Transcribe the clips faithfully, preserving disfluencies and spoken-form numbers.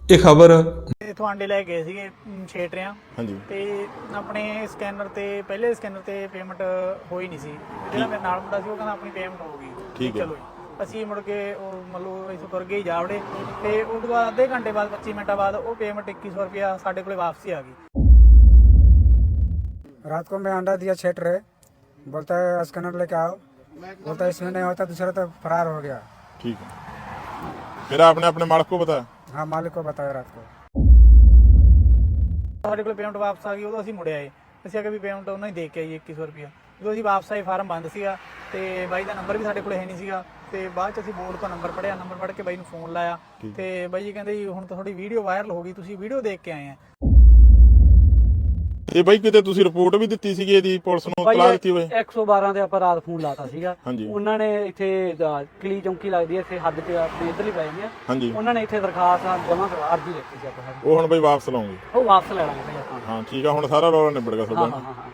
ਇਹ ਖਬਰ ਇਥੋਂ ਆਂਡੇ ਲੈ ਗਏ ਸੀਗੇ ਛੇ ਟਰਿਆਂ ਹਾਂਜੀ ਤੇ ਆਪਣੇ ਸਕੈਨਰ ਤੇ ਪਹਿਲੇ ਸਕੈਨਰ ਤੇ ਪੇਮੈਂਟ ਹੋਈ ਨਹੀਂ ਸੀ। ਜਿਹੜਾ ਮੇਰੇ ਨਾਲ ਮੁੰਡਾ ਸੀ ਉਹ ਕਹਿੰਦਾ ਆਪਣੀ ਪੇਮੈਂਟ ਹੋ ਗਈ। ਠੀਕ ਹੈ। ਚਲੋ ਜੀ। ਅਸੀਂ ਮੁੜ ਕੇ ਉਹ ਮਤਲਬ ਇੱਥੋਂ ਤੁਰ ਗਏ ਜਾਵੜੇ ਤੇ ਉਸ ਤੋਂ ਬਾਅਦ ਅੱਧੇ ਘੰਟੇ ਬਾਅਦ ਪੱਚੀ ਮਿੰਟਾਂ ਬਾਅਦ ਉਹ ਪੇਮੈਂਟ इक्कीस सौ रुपया ਸਾਡੇ ਕੋਲੇ ਵਾਪसी ਆ ਗਈ। रात को मैं अंडा दिया छह ट्रे, बोलता है स्कैनर लेके आओ, बोलता है इसमें नहीं होता, दूसरा तो फरार हो गया। ठीक है। फिर आपने अपने मालिक को बताया? हाँ मालिक को बताया रात को। ਸਾਡੇ ਕੋਲ ਪੇਮੈਂਟ ਵਾਪਸ ਆ ਗਈ। ਉਦੋਂ ਅਸੀਂ ਮੁੜਿਆ ਆਏ, ਅਸੀਂ ਅਗੇ ਵੀ ਪੇਮੈਂਟ ਉਹਨਾਂ ਹੀ ਦੇ ਕੇ ਆਈ इक्कीस सौ रुपया। ਜਦੋਂ ਅਸੀਂ ਵਾਪਸ ਆਏ ਫਾਰਮ ਬੰਦ ਸੀਗਾ ਤੇ ਬਾਈ ਦਾ ਨੰਬਰ ਵੀ ਸਾਡੇ ਕੋਲ ਹੈ ਨਹੀਂ ਸੀਗਾ ਤੇ ਬਾਅਦ ਚ ਅਸੀਂ ਬੋਰਡ ਤੋਂ ਨੰਬਰ ਪੜਿਆ, ਨੰਬਰ ਪੜ ਕੇ ਬਾਈ ਨੂੰ ਫੋਨ ਲਾਇਆ ਤੇ ਬਾਈ ਜੀ ਕਹਿੰਦੇ ਜੀ ਹੁਣ ਤਾਂ ਤੁਹਾਡੀ ਵੀਡੀਓ ਵਾਇਰਲ ਹੋ ਗਈ, ਤੁਸੀਂ ਵੀਡੀਓ ਦੇਖ ਕੇ ਆਏ ਆ। ਇਹ ਬਾਈ ਕਿਤੇ ਤੁਸੀਂ ਰਿਪੋਰਟ ਵੀ ਦਿੱਤੀ ਸੀਗੀ ਇਹਦੀ ਪੁਲਿਸ ਨੂੰ ਇਤਲਾਹ ਦਿੱਤੀ ਹੋਏ? ਇੱਕ ਸੌ ਬਾਰਾਂ ਤੇ ਆਪਾਂ ਰਾਤ ਫੋਨ ਲਾਤਾ ਸੀਗਾ। ਹਾਂਜੀ। ਉਹਨਾਂ ਨੇ ਇੱਥੇ ਕਲੀ ਚੌਂਕੀ ਲੱਗਦੀ ਹੈ ਇੱਥੇ ਹੱਦ ਤੇ ਆਪਣੇ ਇੱਧਰਲੀ ਪੈ ਜਾਂਦੀ ਆ। ਹਾਂਜੀ। ਉਹਨਾਂ ਨੇ ਇੱਥੇ ਦਰਖਾਸਤ ਜਮ੍ਹਾਂ ਕਰਵਾ ਅਰਜੀ ਲਿਖੀ ਸੀ ਆਪਾਂ। ਉਹ ਹੁਣ ਬਾਈ ਵਾਪਸ ਲਾਉਂਗੇ? ਉਹ ਵਾਪਸ ਲੈ ਲਾਂਗੇ ਭਾਈ ਆਪਾਂ। ਹਾਂ ਠੀਕ ਆ, ਹੁਣ ਸਾਰਾ ਰੌਲਾ ਨਿਬੜ ਗਿਆ ਹਾਂ ਤੁਹਾਡਾ। ਹਾਂ ਹਾਂ।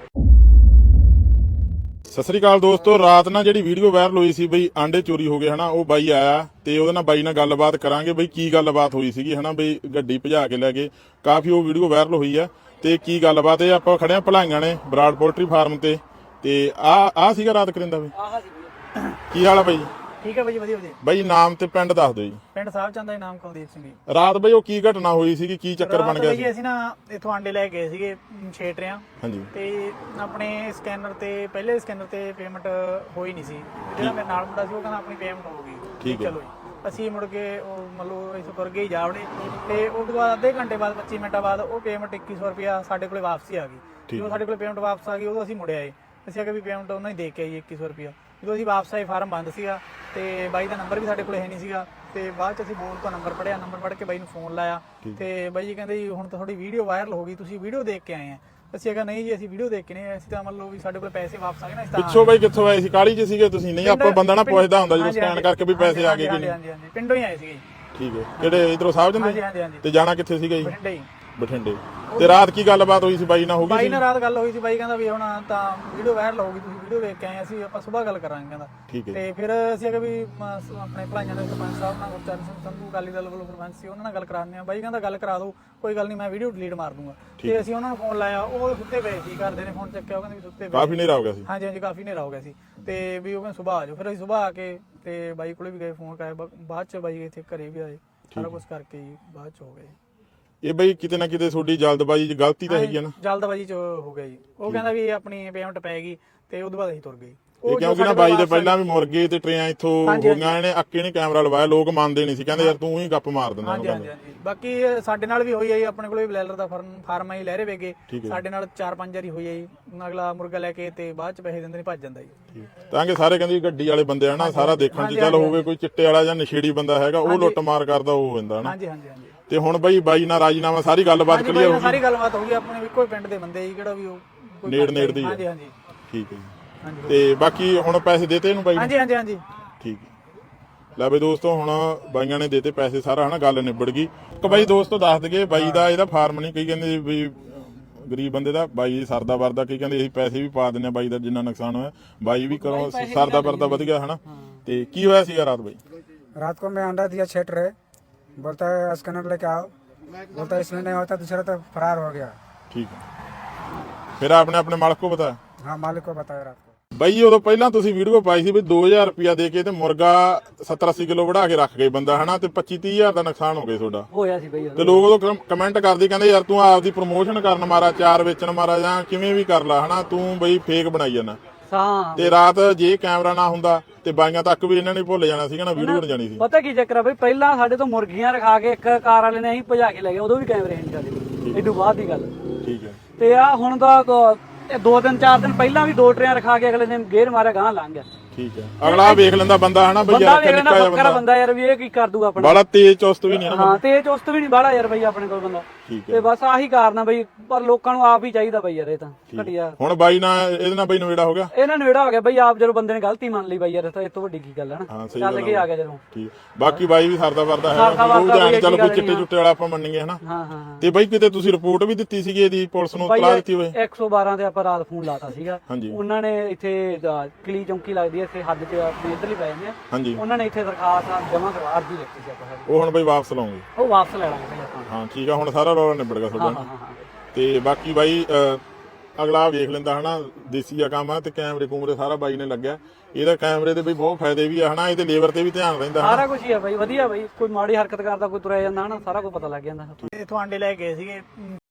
ਸਤਿ ਸ੍ਰੀ ਅਕਾਲ ਦੋਸਤੋ, ਰਾਤ ਨਾਲ ਜਿਹੜੀ ਵੀਡੀਓ ਵਾਇਰਲ ਹੋਈ ਸੀ ਬਈ ਆਂਡੇ ਚੋਰੀ ਹੋ ਗਏ ਹਨਾ, ਉਹ ਬਾਈ ਆਇਆ ਤੇ ਉਹਦੇ ਨਾਲ ਬਾਈ ਨਾਲ ਗੱਲਬਾਤ ਕਰਾਂਗੇ ਬਈ ਕੀ ਗੱਲਬਾਤ ਹੋਈ ਸੀਗੀ ਹਨਾ। ਬਈ ਗੱਡੀ ਭਜਾ ਕੇ ਲੈ ਗਏ, ਕਾਫੀ ਉਹ ਵੀਡੀਓ ਵਾਇਰਲ ਹੋਈ ਆ ਤੇ ਕੀ ਗੱਲਬਾਤ ਇਹ ਆਪਾਂ ਖੜੇ ਆ ਭਲਾਈਆਂ ਨੇ ਬਰਾੜ ਪੋਲਟਰੀ ਫਾਰਮ ਤੇ ਤੇ ਆ ਆ ਸੀਗਾ ਰਾਤ ਕਰਿੰਦਾ ਬਈ। ਆਹ ਸੀ ਕੀ ਹਾਲ ਆ ਬਾਈ? ਠੀਕ ਹੈ ਬਾਈ ਜੀ, ਵਧੀਆ ਵਧੀਆ। ਬਾਈ ਨਾਮ ਤੇ ਪਿੰਡ ਦੱਸ ਦਿਓ ਜੀ। ਪਿੰਡ ਸਾਹਿਬ ਚੰਦ ਦਾ ਨਾਮ ਕੁਲਦੀਪ ਸਿੰਘ ਜੀ। ਰਾਤ ਬਈ ਉਹ ਕੀ ਘਟਨਾ ਹੋਈ ਸੀਗੀ, ਕੀ ਚੱਕਰ ਬਣ ਗਿਆ ਰਾਤ ਸੀ? ਜੀ ਅਸੀਂ ਨਾ ਇਥੋਂ ਆਂਡੇ ਲੈ ਗਏ ਸੀਗੇ ਛੇ ਟਰਿਆਂ ਹਾਂਜੀ ਤੇ ਆਪਣੇ ਸਕੈਨਰ ਤੇ ਪਹਿਲੇ ਸਕੈਨਰ ਤੇ ਪੇਮੈਂਟ ਹੋਈ ਨਹੀਂ ਸੀ। ਜਿਹੜਾ ਮੇਰੇ ਨਾਲ ਮੁੰਡਾ ਸੀ ਉਹ ਕਹਿੰਦਾ ਆਪਣੀ ਪੇਮੈਂਟ ਹੋ ਗਈ। ਠੀਕ ਹੈ। ਚਲੋ ਜੀ। ਅਸੀਂ ਮੁੜ ਕੇ ਉਹ ਮਤਲਬ ਇੱਥੋਂ ਤੁਰ ਗਏ ਜਾਵੜੇ ਤੇ ਉਸ ਤੋਂ ਬਾਅਦ ਅੱਧੇ ਘੰਟੇ ਬਾਅਦ ਪੱਚੀ ਮਿੰਟਾਂ ਬਾਅਦ ਉਹ ਪੇਮੈਂਟ इक्कीस सौ रुपया ਸਾਡੇ ਕੋਲੇ ਵਾਪਸੀ ਆ ਗਈ। ਜਦੋਂ ਸਾਡੇ ਕੋਲੇ ਪੇਮੈਂਟ ਵਾਪਸ ਆ ਗਈ ਉਦੋਂ ਅਸੀਂ ਮੁੜਿਆ ਆਏ, ਅਸੀਂ ਅਗੇ ਵੀ ਪੇਮੈਂਟ ਉਹਨਾਂ ਹੀ ਦੇ ਕੇ ਆਈ इक्कीस सौ रुपया। ਜਦੋਂ ਅਸੀਂ ਵਾਪਸ ਆਏ ਫਾਰਮ ਬੰਦ ਸੀਗਾ ਤੇ ਬਾਈ ਦਾ ਨੰਬਰ ਵੀ ਸਾਡੇ ਕੋਲੇ ਹੈ ਨਹੀਂ ਸੀਗਾ ਤੇ ਬਾਅਦ ਚ ਅਸੀਂ ਬੋਰਡ ਤੋਂ ਨੰਬਰ ਪੜਿਆ, ਨੰਬਰ ਪੜ ਕੇ ਬਾਈ ਨੂੰ ਫੋਨ ਲਾਇਆ ਤੇ ਬਾਈ ਜੀ ਕਹਿੰਦੇ ਜੀ ਹੁਣ ਤਾਂ ਤੁਹਾਡੀ ਵੀਡੀਓ ਵਾਇਰਲ ਹੋ ਗਈ, ਤੁਸੀਂ ਵੀਡੀਓ ਦੇਖ ਕੇ ਆਏ ਆ। ਅਸੀਂ ਕਿਹਾ ਨਹੀਂ ਜੀ ਅਸੀਂ ਵੀਡੀਓ ਦੇਖ ਕੇ ਨਹੀਂ, ਅਸੀਂ ਤਾਂ ਮੰਨ ਲਓ ਵੀ ਸਾਡੇ ਕੋਲ ਪੈਸੇ ਵਾਪਸ ਆ ਗਏ ਨਾ। ਇਸ ਤਰ੍ਹਾਂ ਪਿੱਛੋਂ ਬਾਈ ਕਿੱਥੋਂ ਆਏ ਸੀ? ਕਾਲੀ ਚ ਸੀਗੇ ਤੁਸੀਂ? ਨਹੀਂ ਆਪਾਂ ਬੰਦਾ ਨਾ ਪੁੱਛਦਾ ਹੁੰਦਾ ਜਦੋਂ ਸਕੈਨ ਕਰਕੇ ਵੀ ਪੈਸੇ ਆ ਗਏ ਕਿ ਨਹੀਂ। ਹਾਂਜੀ ਹਾਂਜੀ ਪਿੰਡੋਂ ਹੀ ਆਏ ਸੀਗੇ। ਠੀਕ ਹੈ। ਕਿਹੜੇ ਇਧਰੋਂ ਸਾਹਿਬ ਹਾਂਜੀ ਜੰਦੇ? ਹਾਂਜੀ ਹਾਂਜੀ ਤੇ ਜਾਣਾ ਕਿੱਥੇ ਸੀਗਾ ਜੀ? ਬਠਿੰਡੇ ਹੀ। ਬਠਿੰਡੇ। ਤੇ ਰਾਤ ਕੀ ਗੱਲਬਾਤ ਹੋਈ ਸੀ ਬਾਈ ਨਾਲ? ਹੋ ਗਈ ਬਾਈ ਸੀ ਨਾਲ ਰਾਤ ਗੱਲ ਹੋਈ ਸੀ, ਬਾਈ ਕਹਿੰਦਾ ਵੀ ਹੁਣ ਤਾਂ ਵੀਡੀਓ ਵਾਇਰਲ ਹੋ ਗਈ, ਤੁਸੀਂ ਵੀਡੀਓ ਦੇਖ ਕੇ ਆਏ, ਅਸੀਂ ਆਪਾਂ ਸਵੇਰ ਗੱਲ ਕਰਾਂਗੇ ਕਹਿੰਦਾ। ਠੀਕ ਹੈ। ਤੇ ਫਿਰ ਅਸੀਂ ਅਗੇ ਵੀ ਆਪਣੇ ਭਲਾਈਆਂ ਦੇ ਸਰਪੰਚ ਸਾਹਿਬ ਨਾਲ ਗੁਰਚਰਨ ਸਿੰਘ ਸੰਧੂ ਅਕਾਲੀ ਦਲ ਵੱਲੋਂ ਸਰਪੰਚ ਸੀ, ਉਹਨਾਂ ਨਾਲ ਗੱਲ ਕਰਾਉਂਦੇ ਆ। ਬਾਈ ਕਹਿੰਦਾ ਗੱਲ ਕਰਾ ਦਿਓ, ਕੋਈ ਗੱਲ ਨਹੀਂ, ਮੈਂ ਵੀਡੀਓ ਡਿਲੀਟ ਮਾਰ ਦੂੰਗਾ। ਤੇ ਅਸੀਂ ਉਹਨਾਂ ਨੂੰ ਫੋਨ ਲਾਇਆ, ਉਹ ਸੁੱਤੇ ਪਏ ਸੀ, ਘਰਦੇ ਨੇ ਫੋਨ ਚੱਕਿਆ, ਉਹ ਕਹਿੰਦੇ ਵੀ ਸੁੱਤੇ ਪਏ। ਕਾਫੀ ਹਨੇਰਾ ਹੋ ਗਿਆ ਸੀ? ਹਾਂਜੀ ਹਾਂਜੀ ਕਾਫੀ ਹਨੇਰਾ ਹੋ ਗਿਆ ਸੀ ਤੇ ਵੀ ਉਹ ਕਹਿੰਦੇ ਸੁਬਾਹ ਆ ਜਾਓ। ਫਿਰ ਅਸੀਂ ਸੁਬਾਹ ਆ ਕੇ ਤੇ ਬਾਈ ਕੋਲੇ ਵੀ ਗਏ, ਫੋਨ ਕਰਾਇਆ, ਬਾਅਦ ਚ ਬਾਈ ਇੱਥੇ ਘਰੇ ਵੀ ਆਏ, ਸਾਰਾ ਕੁਝ ਕਰਕੇ ਹੀ ਬਾਅਦ ਚ ਹੋ ਗਏ। ਇਹ ਬਈ ਕਿਤੇ ਨਾ ਕਿਤੇ ਤੁਹਾਡੀ ਜਲਦਬਾਜ਼ੀ ਚ ਗਲਤੀ ਤਾਂ ਹੈਗੀ ਆ ਨਾ? ਜਲਦਬਾਜ਼ੀ ਚ ਹੋ ਗਿਆ ਜੀ। ਉਹ ਕਹਿੰਦਾ ਵੀ ਆਪਣੀ ਪੇਮੈਂਟ ਪੈ ਗਈ ਤੇ ਉਦੋਂ ਬਾਅਦ ਅਸੀਂ ਤੁਰ ਗਏ। ਇਹ ਕਿਉਂਕਿ ਨਾ ਬਾਈ ਦੇ ਪਹਿਲਾਂ ਵੀ ਮੁਰਗੇ ਤੇ ਟਰੇਆਂ ਇੱਥੋਂ ਹੋ ਗਈਆਂ, ਇਹਨੇ ਅੱਕੇ ਨੇ ਕੈਮਰਾ ਲਵਾਇਆ, ਲੋਕ ਮੰਨਦੇ ਨਹੀਂ ਸੀ, ਕਹਿੰਦੇ ਯਾਰ ਤੂੰ ਹੀ ਗੱਪ ਮਾਰ ਦਿੰਦਾ। ਹਾਂਜੀ ਹਾਂਜੀ ਹਾਂਜੀ ਬਾਕੀ ਸਾਡੇ ਨਾਲ ਵੀ ਹੋਈ ਹੈ ਜੀ, ਆਪਣੇ ਕੋਲ ਵੀ ਬਲੈਲਰ ਦਾ ਫਾਰਮ ਆਈ ਲਹਿਰੇ ਵੇਗੇ, ਸਾਡੇ ਨਾਲ ਚਾਰ ਪੰਜ ਵਾਰੀ ਹੋਈ ਹੈ ਜੀ। ਅਗਲਾ ਮੁਰਗਾ ਲੈ ਕੇ ਤੇ ਬਾਅਦ ਚ ਪੈਸੇ ਦਿੰਦੇ ਨੇ, ਭੱਜ ਜਾਂਦਾ ਜੀ। ਤਾਂ ਕਿ ਸਾਰੇ ਕਹਿੰਦੇ ਗੱਡੀ ਵਾਲੇ ਬੰਦੇ ਆ ਨਾ, ਸਾਰਾ ਦੇਖਣ ਚ ਚੱਲ ਹੋਵੇ ਕੋਈ ਚਿੱਟੇ ਵਾਲਾ ਜਾਂ ਨਸ਼ੇੜੀ ਬੰਦਾ ਹੈਗਾ, ਉਹ ਲੁੱਟ ਮਾਰ ਕਰਦਾ ਉਹ ਹੁੰਦਾ ਨਾ। ਹਾਂਜੀ ਹਾਂਜੀ ਹਾਂਜੀ ਤੇ ਹੁਣ ਬਈ ਬਾਈ ਨਾਲ ਰਾਜੀਨਾਮਾ ਸਾਰੀ ਗੱਲਬਾਤ ਕਲੀਅਰ ਹੋ ਗਈ? ਸਾਰੀ ਗੱਲਬਾਤ ਹੋ ਗਈ, ਆਪਣੇ ਇੱਕੋ ਪਿੰਡ ਦੇ ਬੰਦੇ ਜੀ, ਕਿਹੜਾ ਵੀ ਉਹ ਨੇੜ ਨੇੜ ਦੀ। ਹਾਂਜੀ ਹਾਂਜੀ ਠੀਕ ਹੈ ਜੀ। ਤੇ ਬਾਕੀ ਹੁਣ ਪੈਸੇ ਦੇਤੇ ਇਹਨੂੰ ਬਾਈ? ਹਾਂਜੀ ਹਾਂਜੀ ਹਾਂਜੀ ਠੀਕ ਹੈ। ਲੈ ਬਈ ਦੋਸਤੋ ਹੁਣ ਬਾਈਆਂ ਨੇ ਦੇਤੇ ਪੈਸੇ, ਸਾਰਾ ਹਨਾ ਗੱਲ ਨਿਬੜ ਗਈ। ਇੱਕ ਬਾਈ ਦੋਸਤੋ ਦੱਸ ਦਈਏ, ਬਾਈ ਦਾ ਇਹਦਾ ਫਾਰਮ ਨਹੀਂ, ਕਈ ਕਹਿੰਦੇ ਵੀ ਗਰੀਬ ਬੰਦੇ ਦਾ, ਬਾਈ ਸਰਦਾ ਵਰਦਾ, ਕਈ ਕਹਿੰਦੇ ਅਸੀਂ ਪੈਸੇ ਵੀ ਪਾ ਦਿੰਦੇ ਆ ਬਾਈ ਦਾ ਜਿੰਨਾ ਨੁਕਸਾਨ ਹੋਇਆ, ਬਾਈ ਵੀ ਕਰੋ ਸਰਦਾ ਵਰਦਾ ਵਧ ਗਿਆ ਹਨਾ। ਤੇ ਕੀ ਹੋਇਆ ਸੀਗਾ ਰਾਤ ਬਾਈ? रात को मैं अंडा दिया छह ट्रे, बोलता है स्कैनर लेके आओ, बोलता है इसमें नहीं होता, दूसरा तो फरार हो गया। ठीक है। फिर आपने अपने मालिक को बताया? हाँ मालिक को बताया रात को। ਬਾਈ ਉਦੋਂ ਪਹਿਲਾਂ ਤੁਸੀਂ ਵੀਡੀਓ ਪਾਈ ਸੀ ਵੀ ਦੋ ਹਜ਼ਾਰ ਰੁਪਿਆ ਦੇ ਕੇ ਤੇ ਮੁਰਗਾ ਸੱਤਰ ਅੱਸੀ ਕਿਲੋ ਵੜਾ ਕੇ ਰੱਖ ਗਏ ਬੰਦਾ ਹਨਾ, ਤੇ ਪੱਚੀ ਤੀਹ ਹਜ਼ਾਰ ਦਾ ਨੁਕਸਾਨ ਹੋ ਗਿਆ ਤੁਹਾਡਾ। ਹੋਇਆ ਸੀ ਬਈ। ਤੇ ਲੋਕ ਉਦੋਂ ਕਮੈਂਟ ਕਰਦੇ, ਕਹਿੰਦੇ ਯਾਰ ਤੂੰ ਆਪਦੀ ਪ੍ਰਮੋਸ਼ਨ ਕਰਨ ਮਾਰਾ, ਚਾਰ ਵੇਚਣ ਮਾਰਾ, ਜਾਂ ਕਿਵੇਂ ਵੀ ਕਰ ਲਾ ਹਨਾ, ਤੂੰ ਬਈ ਫੇਕ ਬਣਾਈ ਜਾਂਦਾ। ਹਾਂ। ਤੇ ਰਾਤ ਜੇ ਕੈਮਰਾ ਨਾ ਹੁੰਦਾ ਤੇ ਬਾਈਆਂ ਤੱਕ ਵੀ ਇਹਨਾਂ ਨੇ ਭੁੱਲ ਜਾਣਾ ਸੀਗਾ ਨਾ, ਵੀਡੀਓ ਬਣ ਜਾਣੀ ਸੀ। ਪਤਾ ਕੀ ਚੱਕਰ ਆ ਬਈ, ਪਹਿਲਾਂ ਸਾਡੇ ਤੋਂ ਮੁਰਗੀਆਂ ਰਖਾ ਕੇ ਇੱਕ ਕਾਰ ਵਾਲੇ ਨੇ ਅਸੀਂ ਭਜਾ ਕੇ ਲੈ ਗਏ, ਉਦੋਂ ਵੀ ਕੈਮਰੇ ਨਹੀਂ ਸਾਡੇ ਕੋਲ, ਏਡੂ ਬਾਅਦ ਦੀ ਗੱਲ। ਠੀਕ ਹੈ। ਤੇ ਆ ਹੁਣ ਦਾ ਦੋ ਦਿਨ ਚਾਰ ਦਿਨ ਪਹਿਲਾਂ ਵੀ ਦੋ ਟਰੇਆਂ ਰਖਾ ਕੇ ਅਗਲੇ ਨੇ ਗੇਰ ਮਾਰਿਆ, ਗਾਂ ਲੰਘ ਗਿਆ। ਠੀਕ ਹੈ। ਅਗਲਾ ਵੇਖ ਲੈਂਦਾ ਬੰਦਾ ਹਨਾ ਬਈ, ਯਾਰ ਬੰਦਾ ਨਿੱਕਾ ਜਿਹਾ ਬੱਕਰਾ ਬੰਦਾ ਯਾਰ ਵੀ ਇਹ ਕੀ ਕਰ ਦੂਗਾ ਆਪਣਾ। ਬੜਾ ਤੇਜ਼ ਚੁਸਤ ਵੀ ਨਹੀਂ ਨਾ। ਹਾਂ ਤੇਜ਼ ਚੁਸਤ ਵੀ ਨਹੀਂ ਬਾਹਲਾ ਯਾਰ ਬਈ ਆਪਣੇ ਕੋਲ ਬੰਦਾ। ਠੀਕ ਹੈ। ਤੇ ਬਸ ਆਹੀ ਕਾਰਨ ਆ ਬਈ, ਪਰ ਲੋਕਾਂ ਨੂੰ ਆਪ ਹੀ ਚਾਹੀਦਾ ਬਈ ਯਾਰ, ਇਹ ਤਾਂ ਘਟਿਆ। ਹੁਣ ਬਾਈ ਨਾਲ ਇਹਦੇ ਨਾਲ ਬਈ ਨਵੇੜਾ ਹੋ ਗਿਆ? ਇਹਨਾਂ ਨੇੜਾ ਹੋ ਗਿਆ ਬਈ, ਆਪ ਜਦੋਂ ਬੰਦੇ ਨੇ ਗਲਤੀ ਮੰਨ ਲਈ ਬਈ ਯਾਰ, ਤਾਂ ਇਹ ਤੋਂ ਵੱਡੀ ਕੀ ਗੱਲ ਹੈ ਹਾਂ ਨਾ, ਸਹੀ ਚੱਲ ਕੇ ਆ ਗਿਆ ਜਦੋਂ। ਠੀਕ। ਬਾਕੀ ਬਾਈ ਵੀ ਸਰਦਾ ਵਰਦਾ ਹੈ, ਚੱਲ ਕੋਈ ਚਿੱਟੇ ਚੁੱਟੇ ਵਾਲਾ ਆਪਾਂ ਮੰਨੀਏ ਹਨਾ। ਹਾਂ ਹਾਂ ਤੇ ਬਾਈ ਕਿਤੇ ਤੁਸੀਂ ਰਿਪੋਰਟ ਵੀ ਦਿੱਤੀ ਸੀਗੀ ਇਹਦੀ ਪੁਲਿਸ ਨੂੰ ਇਤਲਾਹ ਦਿੱਤੀ ਹੋਏ? ਇੱਕ ਸੌ ਬਾਰਾਂ ਤੇ ਆਪਾਂ ਰਾਤ ਫੋਨ ਲਾਤਾ ਸੀਗਾ। ਹਾਂਜੀ। ਉਹਨਾਂ ਨੇ ਇੱਥੇ ਕਲੀ ਚੌਂਕੀ ਲੱਗਦੀ ਹੈ ਇੱਥੇ ਹੱਦ ਤੇ ਆਪਣੇ ਇੱਧਰਲੀ ਪੈ ਜਾਂਦੀ ਆ। ਹਾਂਜੀ। ਉਹਨਾਂ ਨੇ ਇੱਥੇ ਦਰਖਾਸਤ ਜਮ੍ਹਾਂ ਕਰਵਾ ਅਰਜੀ ਲਿਖੀ ਸੀ ਆਪਾਂ। ਉਹ ਹੁਣ ਬਾਈ ਵਾਪਸ ਲਾਉਂਗੇ? ਉਹ ਵਾਪਸ ਲੈ ਲਾਂਗੇ ਭਾਈ ਆਪਾਂ। ਹਾਂ ਠੀਕ ਆ, ਹੁਣ ਸਾਰਾ ਰੌਲਾ ਨਿਬੜ ਗਿਆ ਹਾਂ ਤੁਹਾਡਾ। ਹਾਂ ਹਾਂ ਹਾਂ। ਤੇ ਬਾਕੀ ਬਾਈ ਅਹ, ਅਗਲਾ ਵੇਖ ਲੈਂਦਾ ਹਨਾ, ਦੇਸੀ ਆ ਕੰਮ ਆ ਤੇ ਕੈਮਰੇ ਕੂਮਰੇ ਸਾਰਾ ਬਾਈ ਨੇ ਲੱਗਿਆ। ਇਹਦਾ ਕੈਮਰੇ ਦੇ ਵੀ ਬਹੁਤ ਫਾਇਦੇ ਵੀ ਆ ਹਨਾ, ਇਹਦੇ ਲੇਬਰ ਤੇ ਵੀ ਧਿਆਨ ਰਹਿੰਦਾ ਹਨਾ। ਸਾਰਾ ਕੁਝ ਹੀ ਆ ਬਾਈ, ਵਧੀਆ ਬਾਈ, ਕੋਈ ਮਾੜੀ ਹਰਕਤ ਕਰਦਾ ਕੋਈ ਤੁਰਿਆ ਜਾਂਦਾ ਹਨਾ, ਸਾਰਾ ਕੁਝ ਪਤਾ ਲੱਗ ਜਾਂਦਾ। ਇਥੋਂ ਆਂਡੇ ਲੈ ਕੇ ਗਏ ਸੀਗੇ